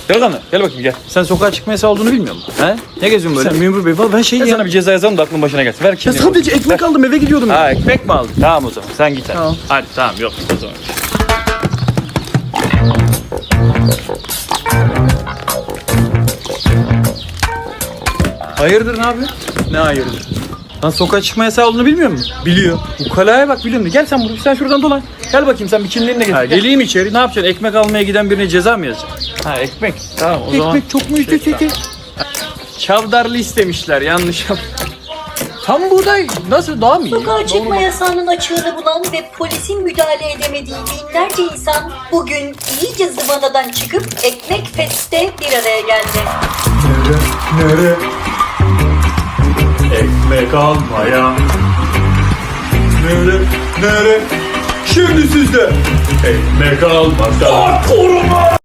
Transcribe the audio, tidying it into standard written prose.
Delikanlı gel bakayım gel. Sen sokağa çıkma yasağı olduğunu bilmiyor musun? He? Ne geziyorsun böyle? Sen memur bey valla ben Ben sana bir ceza yazalım da aklın başına gelsin. Ver Ya kimliğini. sadece ekmek aldım eve gidiyordum ya. Ha ekmek mi aldın? Tamam o zaman sen git hadi. Tamam. Hadi tamam yok o zaman. Hayırdır ne yapıyorsun? Ne hayırdır? Lan sokağa çıkma yasağı olduğunu bilmiyor musun? Biliyor. Ukalaya bak biliyorum. Gel sen buraya. Sen şuradan dolan. Gel bakayım sen bir kimliğinle getir. Ha, Gel. geleyim içeri. Ne yapacaksın? Ekmek almaya giden birine ceza mı yazacaksın? Ha ekmek. Tamam o zaman. Ekmek çok mu ücretli? Çavdarlı istemişler yanlış yap. Tam buğday nasıl daha mı iyi? Sokağa çıkma yasağının açığını bulan ve polisin müdahale edemediği binlerce insan bugün iyice zıvanadan çıkıp Ekmek Fest'te bir araya geldi. Nere? Ekmek almaya. Nere? Şimdi sizde ekmek almasa.